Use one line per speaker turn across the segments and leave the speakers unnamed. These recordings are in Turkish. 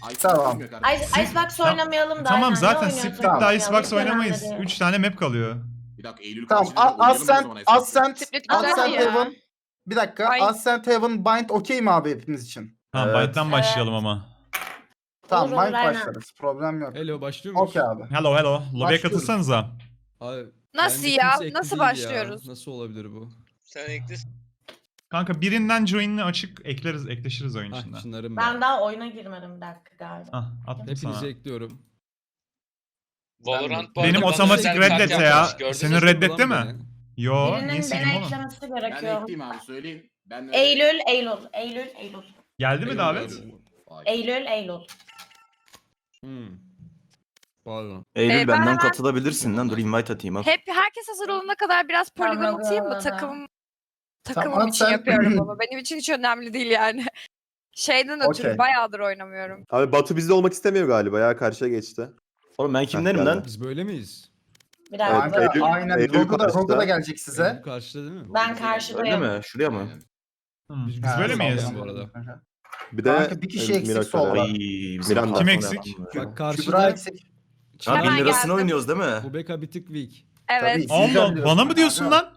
Tamam.
Icebox oynamayalım da.
Tamam
aynen.
zaten
Ne oynuyoruz?
Split'te
Tamam.
Icebox
Hiç önemli
oynamayız.
değil.
3 tane map kalıyor.
Bir dakika Eylül
Tamam.
karşılayacak, oynayalım o zaman
Ascent
Split
güzel
Ascent
ya.
Heaven. Bir dakika.
Ay.
Ascent Heaven Bind okey mi abi hepimiz için?
Tamam
Evet.
Bind'den başlayalım ama.
Tamam
Olur,
Bind
aynen.
başlarız. Problem yok.
Hello başlıyor muyuz?
Okey abi.
Hello hello. Lobby'ye
Başlıyoruz.
katılsanıza.
Abi,
Nasıl
bence
ya?
kimse ekli
Nasıl
değil
başlıyoruz?
Nasıl olabilir bu?
Sen eklesin.
Kanka birinden join'ini açık ekleşiriz oyun
Hah
içinde.
Çınar'ım
Ben
ben.
daha oyuna girmedim bir dakika galiba.
Ah attım
Hepinizi
sana.
ekliyorum.
Valorant bu
Benim
arada bana
otomatik
özel
reddet
kart
ya.
yapmış, gördünüz
Senin
mü?
reddetti
Ulan
mi?
beni.
Yo, niye
Birinin
sildim
beni
oğlum?
eklemesi
Ben
gerekiyor.
ekleyeyim abi söyleyin. Ben
Eylül.
Geldi mi davet?
Eylül.
Hmm. Pardon.
Eylül
ben
benden
hemen-
katılabilirsin lan. Dur invite atayım al.
Herkes hazır olana kadar biraz poligon
Tamam,
atayım mı?
tamam.
Takımım
Tamam,
için
sen-
yapıyorum ama benim için hiç önemli değil yani. Şeyden ötürü
Okey.
bayağıdır oynamıyorum.
Abi Batu bizde olmak istemiyor galiba ya karşıya geçti.
Oğlum ben kimdenim lan?
Biz böyle miyiz?
Bir
Kanka,
dakika.
Eylül-
aynen.
Eylül
Rogu da
karşıda.
gelecek size.
Bu karşıda değil mi?
Ben
Öyle
karşıdayım.
mi? Şuraya mı?
Biz
Ha,
böyle miyiz?
sağ ol. bu arada.
Bir de
Kanka, bir kişi eksik
Miraç
solda.
var.
Ay, bizim
Miranda.
Kim
patron
eksik?
yaptım
Bak
ya.
Kübra
karşıda
eksik.
Ha,
Hemen
1000 lirasını
geldim.
oynuyoruz değil mi?
bu beka bir tık weak.
Evet.
Tabii. Sizden
Allah
diyorsun
bana mı
kanka.
diyorsun lan?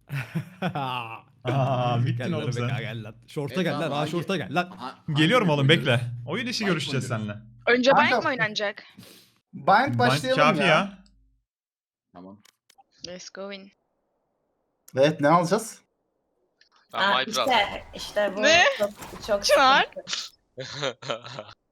Aa bittin
Gel lan
oğlum sen.
beka gel lan. Şorta
Evet
gel lan.
abi,
Ha
hangi-
şorta gel lan.
Geliyorum oğlum bekle. Oyun işi
Bind
görüşeceğiz
oynuyoruz.
seninle.
Önce
Kanka-
Bind mi oynanacak?
Bind başlayalım
Kafi ya.
Tamam.
Let's go in.
Evet ne alacağız?
Ha, işte bu
Ne?
çok
Çınar.
sıkıntı.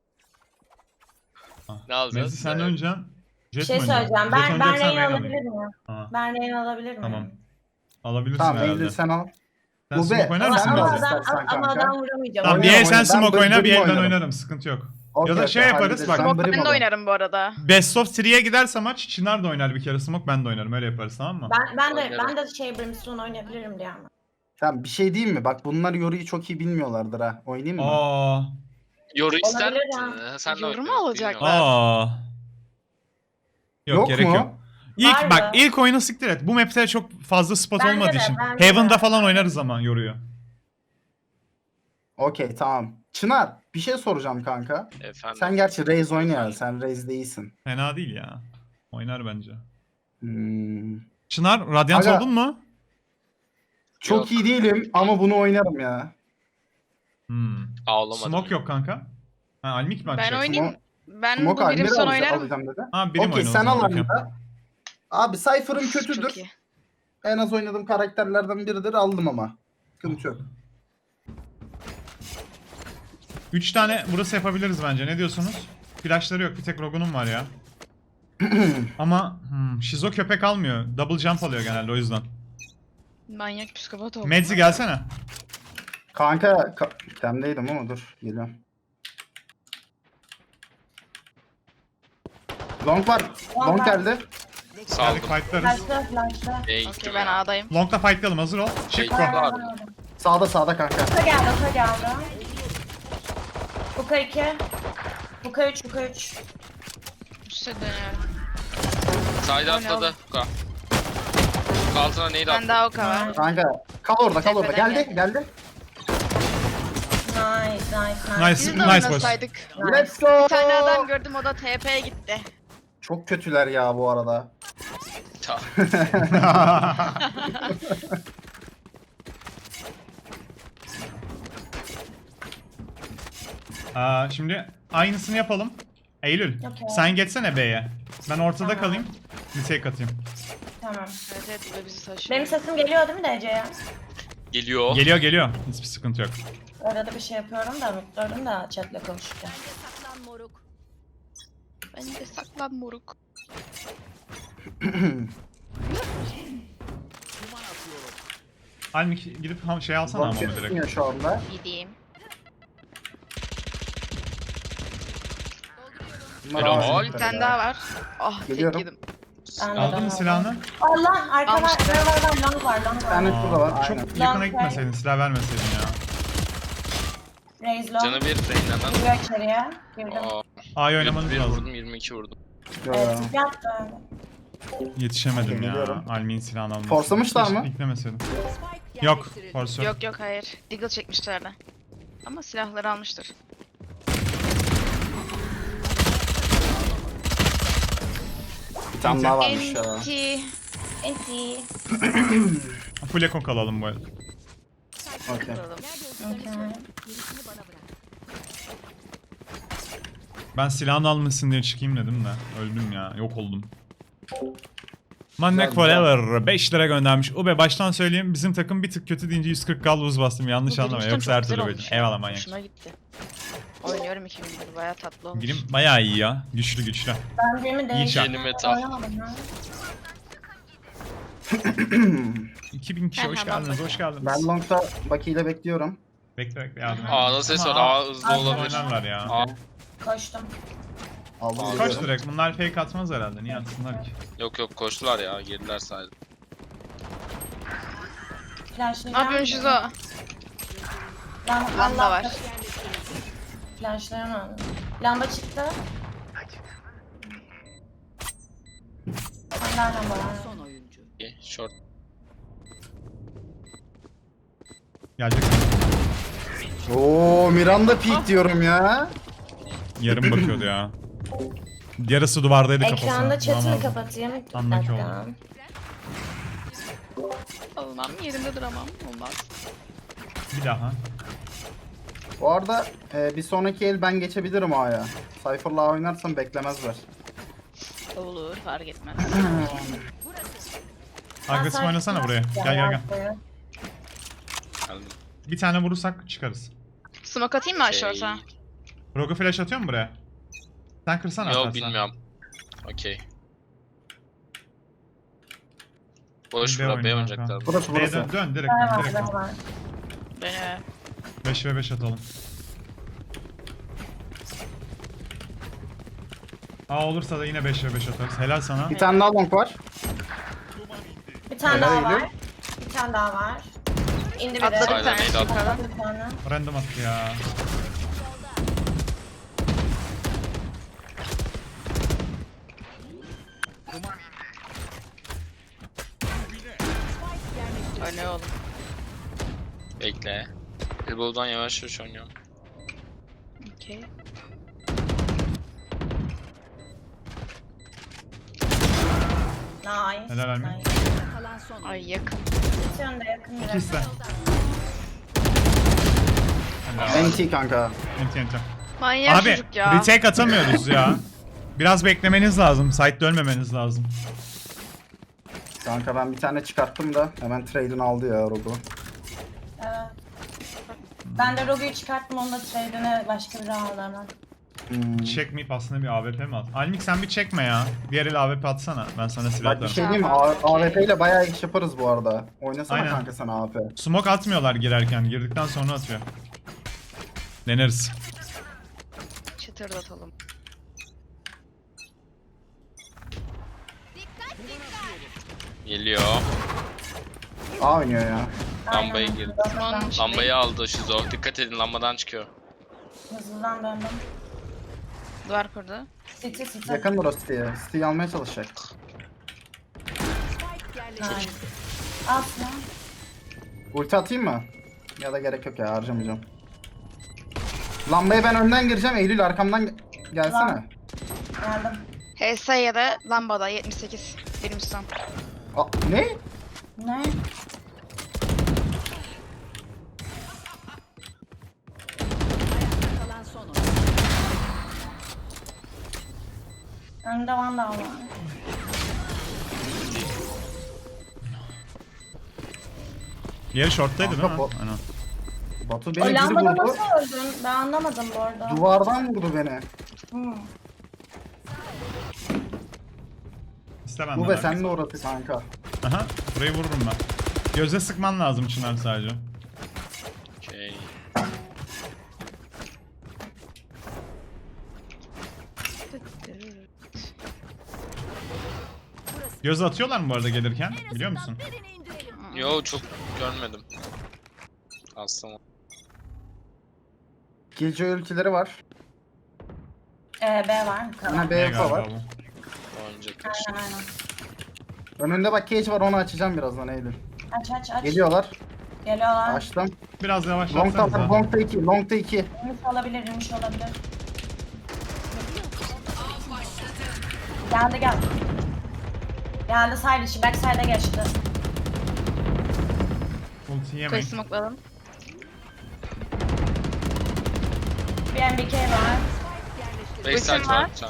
Ne alacağız?
Messi sen önceden
Bir
Jet
şey
mi oynayacaksın?
söyleyeceğim. Ben
Jet oynayacaksan
Reyna
Reyna
alabilir
oynayayım.
miyim?
Tamam.
Ben Reyna alabilir miyim?
Tamam. Alabilirsin
Tamam
herhalde.
Eylül sen al.
Sen
Bu
smoke
be,
oynar
sen
mısın
al
biraz?
istersen
ama
kanka.
adam vuramayacağım.
Tamam bir
Oyna,
el sen
oyna.
smoke
Ben
oyna bir el ben
oynarım.
oynarım sıkıntı yok.
Okey,
Ya da şey
okey,
yaparız,
hallederiz.
bak.
Ben
Ben
Brim
de
alayım.
oynarım bu arada.
Best of 3'ye giderse maç Çınar da oynar bir kere smoke ben de oynarım öyle yaparız tamam mı?
Ben de şey Brimstone oynayabilirim diye ama.
Tamam bir şey diyeyim mi? Bak bunlar Yoru'yu çok iyi bilmiyorlardır ha. Oynayayım mı?
Aa.
Yoru ister
Olabilir
misin? Sen de
Yoru mu
oyna,
alacaklar?
bilmiyorum.
Aa. Yok,
Yok
gerek
mu?
yok. İlk
Var
bak
mı?
ilk oyunu siktir et. Bu map'te çok fazla spot
Bence
olmadığı
de,
için.
bence
Heaven'da
de.
falan oynarız ama yoruyor.
Okey tamam. Çınar bir şey soracağım kanka.
Efendim.
Sen gerçi Raze oynuyor. Sen Raze değilsin.
Fena değil ya. Oynar bence.
Hmm.
Çınar Radiant
Aga-
oldun mu?
Çok
Yok.
iyi değilim ama bunu oynarım ya.
Ağlamadım.
Smoke yok kanka. Ha Almik mi
Ben
açacaksın?
oynayayım. Ben
Smoke
bu
Almir'i
Brimstone oynarım.
alacağım dedi.
Ha birim
Okey
oyunu o
sen
zaman,
al
bakayım.
Almir'i. Abi Cypher'ım
Çok
kötüdür.
iyi.
En az oynadığım karakterlerden biridir aldım ama. Sıkıntı yok.
3 tane burası yapabiliriz bence. Ne diyorsunuz? Flashları yok. Bir tek Rogue'nun var ya. Ama Shizo köpek almıyor. Double jump alıyor genelde o yüzden.
Manyak psikopat oldum.
Medzi gelsene.
Kanka temdeydim ama dur geliyorum. Long var. Long geldi.
Saldım.
Geldik fightlarız.
Flash'la flash'la.
Neye
Okey
gittim
ben
ya?
A'dayım.
Long'da fightlayalım hazır ol. Çık
Şey,
go.
var.
Sağda kanka.
Oka geldi. Oka 2. Oka 3.
Üste dönüyorum.
Sayda atladı. Ka. Altına neydi
Ben
attı?
daha Oka var.
Kanka kal orada.
Tepeden
Geldi.
Nice.
Nice,
Biz de
nice boys.
oynasaydık.
Let's go.
Bir tane adam gördüm o da TP'ye gitti.
Çok kötüler ya bu arada.
Ta.
Şimdi aynısını yapalım. Eylül
Okey.
sen geçsene B'ye. Ben ortada
Tamam.
kalayım. Bir take atayım.
Tamam.
Evet bu da bizi taşıyor.
Benim sesim geliyor değil mi Ece'ye?
Geliyor.
Geliyor. Hiçbir sıkıntı yok.
Arada bir şey yapıyorum da mutluyorum da chatle konuşurken.
Ben de saklan moruk.
Almik gidip şey alsana
Long
ama direkt.
kesmiyor şu anda.
Gideyim.
Bunlar
Helal.
ağır
Bir
çocuklar
tane
ya.
daha var. Ah tek
Geliyorum.
yedim.
Ben de
Aldın mı
aldım.
silahını?
Allah arkada
Almıştım.
var long var.
Bir tane şurada var.
Çok
Aynen.
yakına
Long
gitmeseydin, silah vermeseydin ya.
Raise long.
Canı bir Reyna'dan.
Giriyor içeriye. Girdim.
A'yı oynamanız
21
lazım.
vurdum 22 vurdum.
Evet, yaptı.
Yetişemedim ya.
Geliyorum.
Almi'nin silahını alması.
Forslamışlar
Keşke
mı?
Beklemeseydim. Yok, force yok.
Yok hayır. Deagle çekmişlerdi. Ama silahları almıştır.
Bir tane daha varmış ya.
Enti.
Enti.
Full eko kalalım bu el.
Okey.
Okay.
Ben silahını almasın diye çıkayım dedim de. Öldüm ya. Yok oldum. Mannek
Güzel,
Forever 5 lira göndermiş. Ube baştan söyleyeyim bizim takım bir tık kötü deyince 140 gal buz bastım. Yanlış anlama. Yoksa her türlü böyle. Eyvallah manyak.
Hoşuma gitti. Oynuyorum 2000 lira. Baya tatlı olmuş.
Girim bayağı iyi ya. Güçlü güçlü.
Ben birimi
İyi
değiştirdim.
şart.
Yeni meta.
Oynamadım ha.
2000 kişi hoş
Hemen
geldiniz. Hoş geldiniz.
Ben long'da Baki ile bekliyorum.
Bekle bekle yardım.
A'da ses var.
Ama
A hızlı
Aa,
olabilir.
oynarlar ya.
A.
Koştum.
Aldım.
Koş
geliyorum.
direkt. Bunlar fake atmaz herhalde. Niye atsınlar ki?
Yok yok koştular ya. Girdiler sadece.
Flashlayacağım.
Ne yapıyorsun Şizo? Lamba var.
Flashlayamam. Lamba çıktı. Hala lamba var.
İyi, short.
Gelecek.
Oo Miranda peak diyorum ya.
Yarım bakıyordu ya. Yarısı duvardaydı kafasına.
Ekranda chatini
Bulamazdım.
kapatayım. Bir
Anlaki
dakika.
oldu.
Olmam. Yerimde duramam. Olmaz.
Bir daha.
Bu arada bir sonraki el ben geçebilirim A'ya. Cypher'la oynarsam beklemezler.
Olur. Fark etmez.
Agresif oynasana buraya. Gel gel gel.
Geldim.
Bir tane vurursak çıkarız.
Smoke atayım mı aşağıya?
Rogu flash atıyor mu buraya? Sen kırsana
Yok
atarsan.
bilmiyorum. Okey. Boş
B
bura
oyunu
B
kanka.
oynayacaklar.
Burası
B'ye
burası.
dön direkt
Var
dön
var
direkt
var
dön.
var.
Beni.
5 ve 5 atalım. A olursa da yine 5 ve 5 atarız. Helal sana.
Bir tane daha long var.
Bir tane
Helal
daha
Eylül.
var. Bir tane daha var. İndi bir de.
Atladı bir
Aynen,
tane.
neydi atladı?
yukarıdan.
Bir tane.
Random attı ya.
Öyle oğlum.
Bekle. Elbow'dan yavaş yavaş oynuyorum.
Okey.
Nice.
Helal Almin.
Nice.
Ay yakın.
İki yönde yakın biraz.
İkisi de. Helal.
NT kanka.
Enti enti.
Manyak
Abi
çocuk ya.
retake atamıyoruz ya. Biraz beklemeniz lazım. Site'de ölmemeniz lazım.
Kanka ben bir tane çıkarttım da hemen trade'ini aldı ya Robo.
Evet. Ben de Rogue'yu çıkarttım, onu da trade'ine başka biri aldı hemen.
Çekmeyip aslında bir AWP mi at? Almik sen bir çekme ya. Diğer el AWP atsana. Ben sana silah
Bak bir
atarım.
şey diyeyim mi? AWP ile bayağı iş yaparız bu arada. Oynasana
Aynen.
kanka sen AWP.
Smoke atmıyorlar girerken. Girdikten sonra atıyor. Deneriz.
Çıtırdatalım.
Geliyor.
A oynuyor ya.
Lambayı girdi.
Osman'ın
Lambayı aldı Şizo. Dikkat edin lambadan çıkıyor.
Hızlıdan döndüm.
duvar kurdu.
City city.
Yakın burası City'ye. City'yi almaya çalışacak.
Nice. Asla.
Ulti atayım mı? Ya da gerek yok ya, harcamayacağım. Lambaya ben önden gireceğim. Eylül arkamdan gelsene.
Geldim.
HS ya da lambada 78. Birim son.
Ne?
Ne? Önde Vandal var.
Diğeri short'taydı değil mi?
Kanka bu-
Aynen.
Batu
O
beni biri
lambada
vurdu.
nasıl öldün? Ben anlamadım bu arada.
Duvardan vurdu beni.
Hmm.
İste benden
Bu ve
abi.
sen de orası kanka.
Aha, burayı vururum ben. Göze sıkman lazım Çınar sadece.
Okey.
Göz atıyorlar mı bu arada gelirken? Biliyor musun?
Yo çok görmedim. Aslında.
Killjoy ultileri var.
B var.
Yine
Ne
BF
galiba
var.
bu?
Oynayacaklar.
Aynen aynen.
Önünde bak cage var, onu açacağım birazdan Eylül.
Aç aç aç.
Geliyorlar.
Geliyorlar.
Açtım.
Biraz
Long'da
yavaşlatsanıza.
var, long'da 2, long'da 2.
Yumuş olabilir, yumuş olabilir. Geldi gel. Geldi side içi, back side'e geçti.
Ulti
Koyu
yemeyin.
smokladım.
Bir MBK var.
Backside
Ultim
var
var.
bir tane.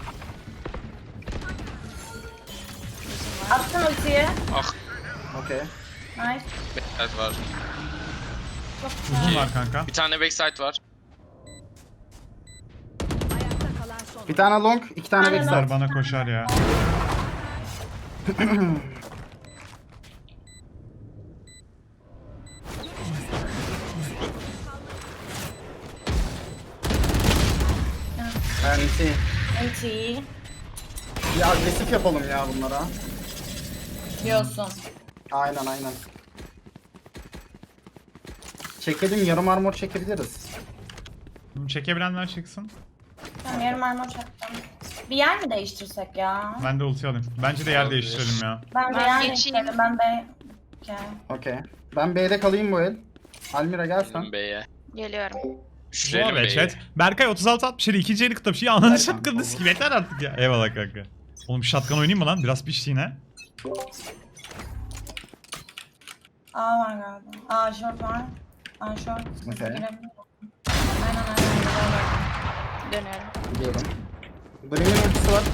Attım ultiyi.
Ah
Okey.
Nice.
backside var.
Çok
Uzun
güzel.
var kanka.
Bir tane backside var.
Bir tane long, 2 tane
Aynen.
backside.
Bana koşar ya.
Yani
Ultiyi.
bir agresif yapalım ya bunlara.
Diyorsun.
Aynen aynen. Çekelim, yarım armor çekebiliriz.
Çekebilenler çıksın.
Tamam, yarım armor çaktım. Bir yer mi değiştirsek ya?
Ben de ulti alayım. Bence de yer
Olabilir.
değiştirelim ya.
Ben bir
Ben
yer
geçeyim.
değiştirelim. Ben B. Okay.
Okey. Ben B'de kalayım bu el. Almira gel sen.
Benim B'ye.
Geliyorum.
Düşürelim
Zor be
B'ye.
chat. Berkay 36-67 ikinci eli kıtlamış. Ya ananı
Berkan,
şatkanını
olur.
sikim yeter artık ya. Eyvallah kanka. Oğlum shotgun oynayayım mı lan? Biraz pişti yine.
A var galiba. A short var. A short.
Okey.
Girebilir. Aynen.
Dönüyorum.
Gidiyorum. Brim'in ultisi var.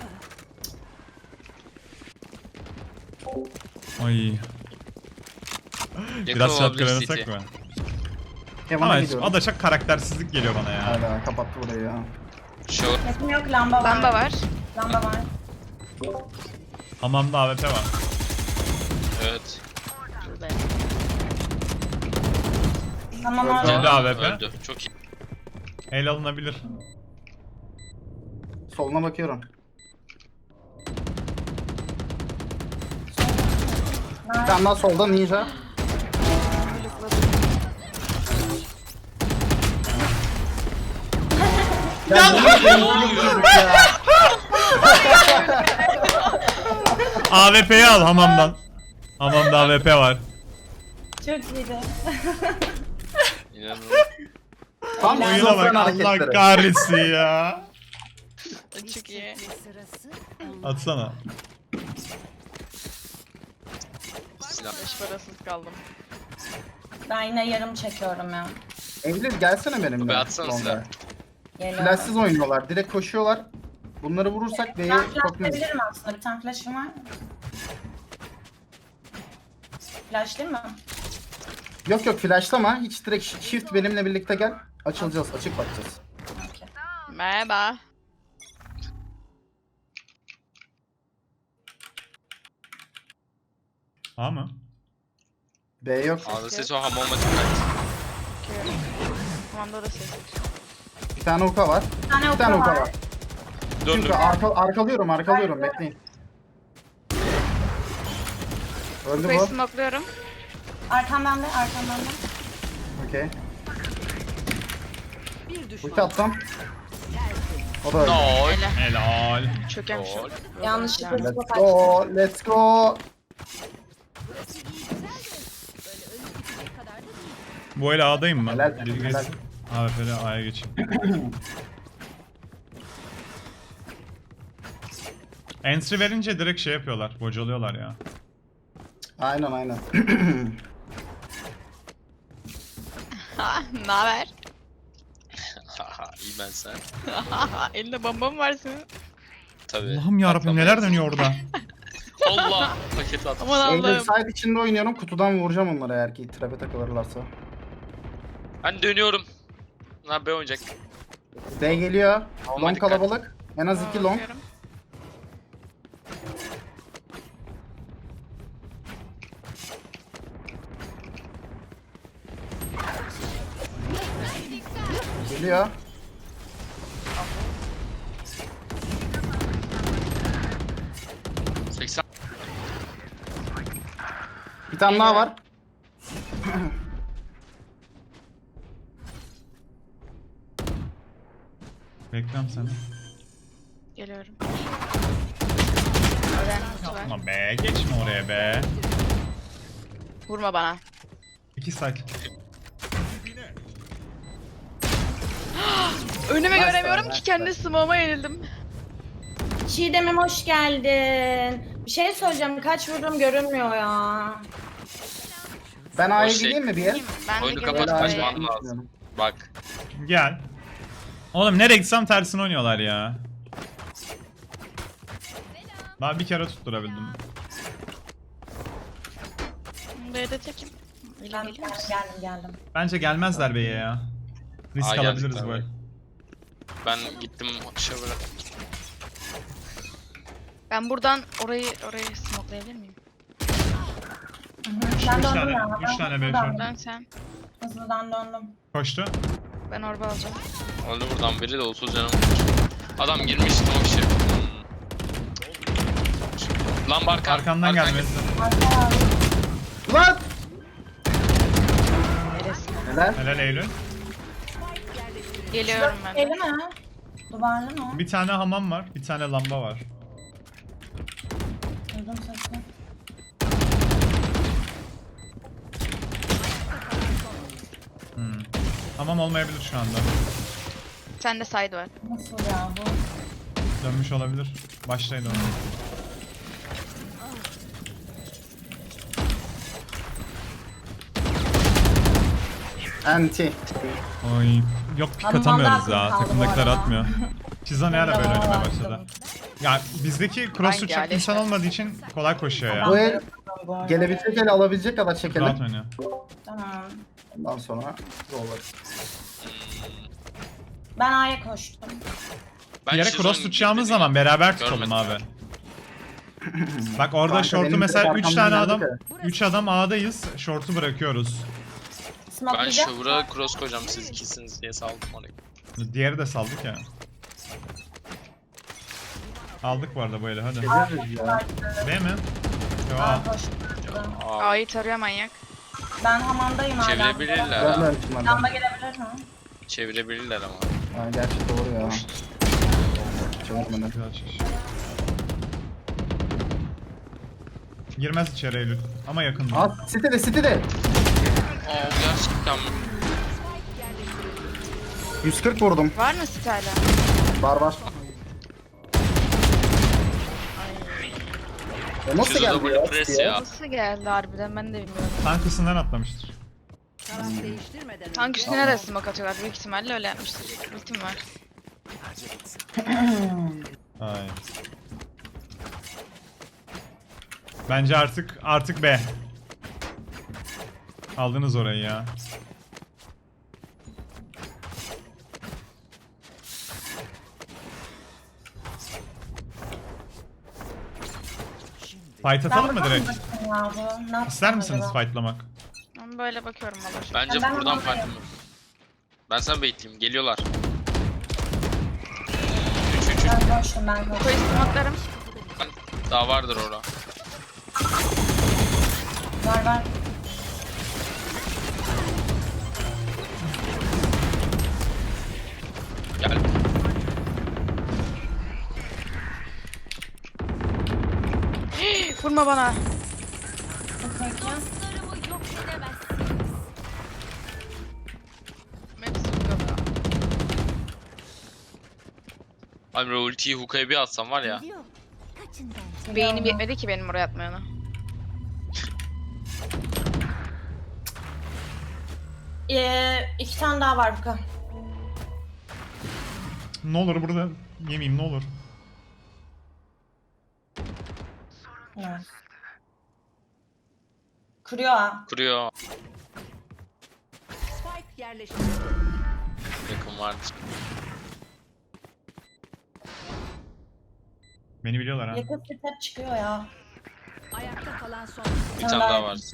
Ay.
Yakın
Biraz shotgun
olabilir
oynasak
City.
mı?
Kemal'a
Ama
gidiyorum.
Adaşak karaktersizlik geliyor bana ya.
Hala kapattı burayı ya.
Şu
Yakın yok, lamba var.
Lamba var.
Lamba var.
Hamamda AWP var.
evet.
Buradayım.
Tamam
Öldü.
abi.
Öldü AWP.
Öldü. Çok iyi.
El alınabilir.
Soluna bakıyorum. Bir tane daha solda ninja. Ya
AWP'yi al hamamdan. Hamamda AWP var.
Çok iyiydi.
İnanılmaz.
Tam
Oyuna
şizofren
bak Allah
hareketleri.
kahretsin ya.
Çok iyi.
Atsana.
Silah.
Beş parasız kaldım.
Ben yine yarım çekiyorum ya.
Eylül gelsene benimle.
Be atsana
Longa.
silah.
Geliyorum.
Flashsız oynuyorlar. Direkt koşuyorlar. Bunları vurursak B'ye
Ben flash
sokmayız.
verebilirim aslında. Bir tane flash'ım var. Flash değil mi?
Yok yok flashlama. Hiç direkt shift benimle birlikte gel. Açılacağız. Açık bakacağız.
Okey.
Merhaba.
A mı?
B yok.
Ağzı ses o hamama dikkat.
Bakıyorum. Tamam da ses.
Bir tane hookah var.
Bir tane
Bir tane
oku
hookah
var.
var.
Döndüm.
Çünkü arkalıyorum. Bekleyin. Öldü
Koyu
bu.
smokluyorum.
Arkam bende, arkam bende.
Okey. Ulti attım. O da öldü.
Lol.
Hele.
Helal.
Çökemişim.
Lol.
Yanlışlıkla
Let's
smoke
go. Let's go.
Bu el A'dayım ben.
Helal,
Biri
helal.
geçsin. AWP'de A'ya geçeyim. Entry verince direkt şey yapıyorlar. Bocalıyorlar ya.
Aynen.
Ha, naber?
Haha iyi ben sen.
Elinde bomba mı var senin?
Tabii.
Allah'ım yarabbim neler dönüyor orada.
Allah. Paketi attım.
Aman
Eylül
Allah'ım.
side içinde oynuyorum. Kutudan vuracağım onları eğer ki trap'e takılırlarsa.
Ben dönüyorum. Lan B oynayacak.
B geliyor.
Ama
Long
dikkat.
kalabalık. En az 2 long.
Bakıyorum.
Geliyor.
Hı. 80.
Bir tane daha var.
Bekliyorum seni.
Geliyorum. Ölen kutu var.
Ama be geçme oraya be.
Vurma bana.
2 side.
Önümü
Nice
göremiyorum
try,
ki
nice
kendi
try.
smoke'uma yenildim.
Çiğdem'im hoş geldin. Bir şey söyleyeceğim. Kaç vurdum görünmüyor ya.
Ben A'ya
şey-
gideyim mi bir yer?
Ben de
Oyunu
geliyorum.
kapat,
Böyle A'ya
kaçman lazım.
gitmiyorum.
Bak.
Gel. Oğlum nereye gitsem tersine oynuyorlar ya. Ben bir kere tutturabildim.
B'de tekim.
Ben
Öyle geliyor musun?
geldim.
Bence gelmezler B'ye ya. Risk
Aa,
alabiliriz
geldikler
böyle.
be. Ben gittim Shower'a.
Ben buradan orayı smokelayabilir miyim?
Ben
Üç
döndüm
tane-
ya.
üç tane
hızlıdan-
B şu an.
Dön sen.
Hızlıdan döndüm.
Koştu.
Ben orba alacağım.
Öldü buradan biri de 30 canım olmuş. Adam girmiş smoke ship. Lan arkan.
Arkandan gelmesi.
Lan!
Neresi?
Neler?
Helal Eylül.
Geliyorum ben
Eli
de.
mi? Duvarlı mı?
Bir tane hamam var, bir tane lamba var.
Duydum sesini.
Hamam olmayabilir şu anda.
Sen de side var.
Nasıl ya bu?
Dönmüş olabilir. Başlayın onu.
Anti.
Oy. Yok pik
Hamamda
atamıyoruz
aklım
ya.
kaldı bu
Takımdakiler
arada.
atmıyor. Pizza ne ara böyle
Hamamda
oynamaya
aklım.
başladı. Ya bizdeki cross
Hangi
çok
alet?
insan olmadığı için kolay koşuyor ya.
Bu el
Bu arada.
gelebilecek el alabilecek kadar
Rahat
çekelim.
oynuyor.
Tamam.
Ondan sonra yollar.
Ben A'ya koştum.
Ben
Bir yere
Shizun'un
cross tutacağımız
girdiğini
zaman beraber tutalım
görmedim.
abi. Bak orada
Kanka,
short'u
benim
mesela
direkt
3
arkamdan
tane adam
geldi
3 adam A'dayız. Short'u bırakıyoruz.
Ben
Smokelayacak.
Shower'a cross koyacağım siz ikisiniz diye saldım orayı.
Diğeri de saldık ya. Aldık bu arada böyle hadi.
Geliriz ya.
Değil mi? Yo,
A'ya
al.
koştum.
Aa,
A'yı tarıyor manyak.
Ben hamamdayım hala.
çevirebilirler ha.
Görmemişim ben de.
Lamba gelebilir mi?
Çevirebilirler ama.
Ha, gerçi doğru ya. Çevirmeden.
Güzel çıkış. Girmez içeri Eylül. Ama yakın.
Aa, City'de City'de.
Aa gerçekten mi?
140 vurdum.
Var mı sit hala?
Var var. O nasıl
Şurada
geldi
böyle
ya?
pres ya.
Nasıl geldi harbiden ben de bilmiyorum.
Tank üstünden atlamıştır.
Tank üstüne de smoke atıyorlar. Büyük ihtimalle öyle yapmıştır. Ultim var.
Ay. Bence artık B. Aldınız orayı ya. Fight atalım mı direkt?
Ya bu. Ne
İster
yapsam
misiniz
acaba?
fightlamak?
Ben böyle bakıyorum olur.
Bence
Ben
buradan
hamamdayım.
fight'ım. Ben sana bekleyeyim. Geliyorlar. 3
Ben koştum ben koştum.
Koyu smoke'larım.
daha vardır orada.
Var var.
Gel.
Vurma bana.
Peki.
Hepsi vuruyor.
Abi ultiyi hookaya bir atsam var ya.
Beynim yetmedi ki benim oraya atmayana.
İki tane daha var Fuka.
Ne olur burada yemeyeyim ne olur.
Evet. Kuruyor ha.
Kuruyor. Yakın vardır.
Beni biliyorlar ha.
Yakın step çıkıyor ya.
Bir tane daha var.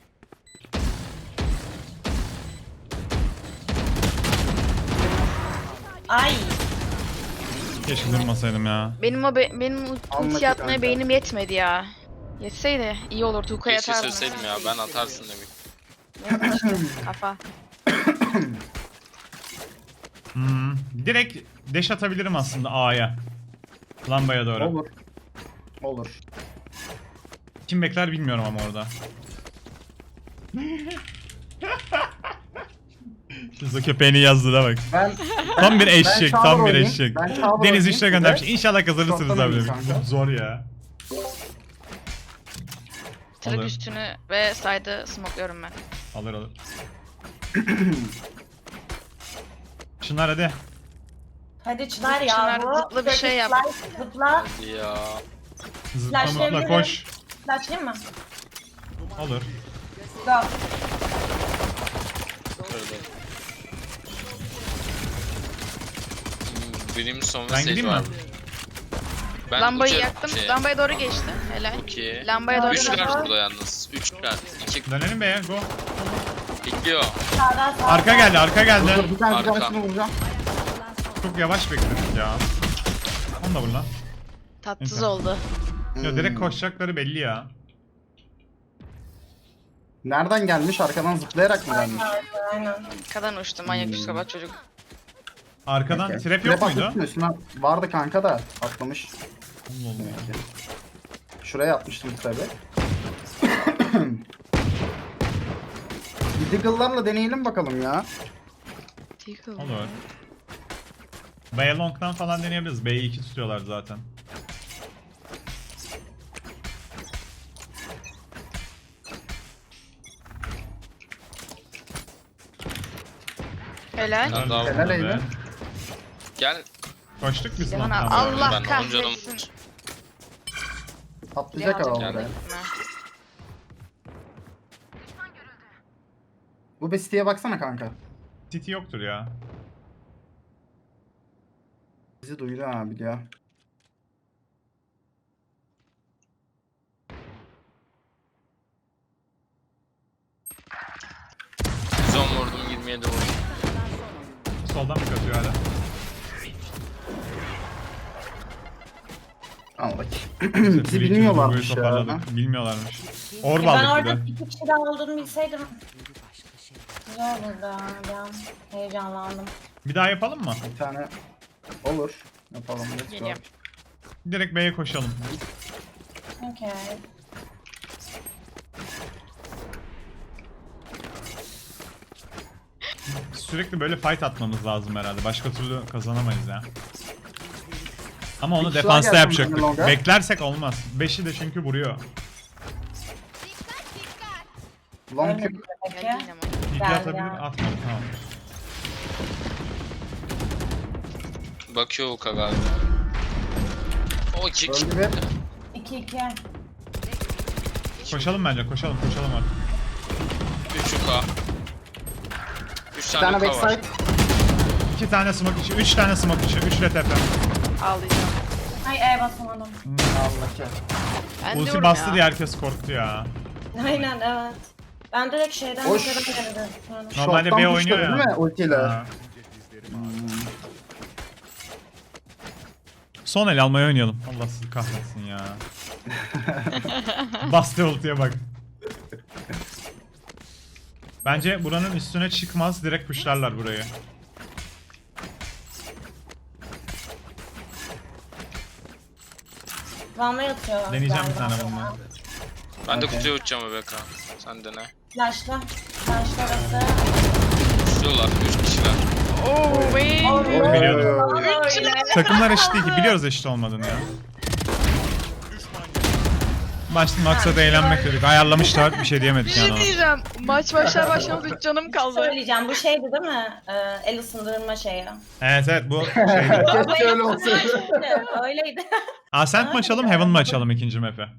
Ay.
Keşke durmasaydım ya.
Benim
Anladık
ulti atmaya
kanka.
beynim yetmedi ya. Yetseydi iyi olurdu. Hukaya
Keşke
atardım.
söyleseydim ya ben atarsın demek.
Kafa.
Direkt dash atabilirim aslında A'ya. Lambaya doğru.
Olur. Olur.
Kim bekler bilmiyorum ama orada. Şu köpeğini yazdı da bak.
Ben
Tam bir eşek,
Ben
tam bir
oynayayım.
eşek.
Ben Çağlar
Deniz
oynayayım
işte göndermiş.
size.
İnşallah kazanırsınız
Çoktan
abi.
oynayayım kanka.
Zor ya.
Kırık
Alır.
üstünü ve side'ı smokluyorum ben.
Alır alır. Şunlar hadi.
Hadi Çınar ya.
Çınar,
bu.
zıpla bir şey yap.
Zıpla.
Hadi ya.
Zıplama da
Flashlayabilirim.
koş.
Flashlayayım mı?
Olur.
Go.
Kırdı. Benim son
Ben
mesaj
gideyim mi?
var. Ben
Lambayı
uçarım
yaktım.
şeye.
Lambaya doğru geçti. Helal.
Çok iyi.
Lambaya doğru
Üçler
geçti.
burada yalnız. Üçler. İki
Dönelim be go.
bekliyor.
Sağdan sağdan.
Arka geldi arka geldi.
Dur bir
Arka.
tanesini vuracağım.
Çok yavaş bekledik ya. Onu da vur lan.
Tatsız
Neyse.
oldu.
Ya direkt koşacakları belli ya.
Nereden gelmiş? Arkadan zıplayarak mı gelmiş?
Aynen.
Arkadan uçtu manyak psikopat çocuk.
Arkadan
Okey.
trap yok muydu?
atmıştın üstüne. Vardı kanka da atlamış.
Allah Allah.
Demek ki. Şuraya atmıştım trap'i. Deagle'larla deneyelim bakalım ya.
Olur. B long'dan falan deneyebiliriz. B'yi 2 tutuyorlar zaten.
Helal.
Ben daha
Helal
Be.
Eylül.
Gel.
Koştuk biz
Yaman
long'dan.
Allah
Ben 10 canım.
kahretsin.
Atlayacak ama
Geldi.
buraya. Bu bestiye baksana kanka.
City yoktur ya.
Bizi duydu abi ya.
Son vurdum 27 vurdum.
Soldan mı kaçıyor hala?
Al bakayım. Bizi bilmiyorlarmış ya.
Toparladık. Bilmiyorlarmış. Orb
Ben
aldık bir
orada
de.
2 kişi daha olduğunu bilseydim. Güzel olurdu ha. Bir an heyecanlandım.
Bir daha yapalım mı?
Bir tane olur. Yapalım. Let's go.
Geliyorum.
Direkt B'ye koşalım.
Okey.
Sürekli böyle fight atmamız lazım herhalde. Başka türlü kazanamayız ya. Ama onu
Bir kişi
defansta
daha gelsin
yapacaktık.
longa.
Beklersek olmaz. 5'i de çünkü vuruyor.
Long
Öyle
tip.
mi peki?
Geldi yine ama.
İlk
Geldi
atabilir,
ya.
atmadı tamam.
Bakıyor Uka galiba. O iki
Öldü bir.
2-2.
Koşalım bence, koşalım artık.
3 Uka. 3
Bir
tane
tane
Uka var.
backside.
2 tane smoke içi, 3 tane smoke içi, 3 de tepe.
Ağlayacağım.
Ay basamadım.
Allah ki.
Ben
Ulti
diyorum
bastı
ya.
diye herkes korktu ya.
Aynen evet. Ben direkt şeyden
Hoş.
yukarı geldim.
Normalde
Short'tan
B
pushladı
oynuyor ya.
değil mi ultiyle?
Ha. Son el almayı oynayalım. Allah sizi kahretsin ya. Bastı ultiye bak. Bence buranın üstüne çıkmaz, direkt pushlarlar burayı.
Van'la atıyorlar.
Deneyeceğim bir
galiba.
tane bununla.
Ben de
Okey.
kutuya uçacağım Rebecca. Sen de ne?
Flash'la. Flash'la arası.
Uçuyorlar 3 kişiler.
Oo, vey.
Biliyordum.
Öyle.
Takımlar eşit değil ki, biliyoruz eşit olmadığını ya. Başta maksat eğlenmek dedik. Ayarlamışlar, bir şey
Bir
diyemedik
şey
yani ona.
diyeceğim. Maç başlar başlamaz 3 canım kaldı.
Söyleyeceğim bu şeydi değil mi? El ısındırma şeyi.
Evet bu şeydi.
Keşke öyle olsaydı.
Öyleydi.
Ascent mi açalım, Heaven mı açalım ikinci map'e?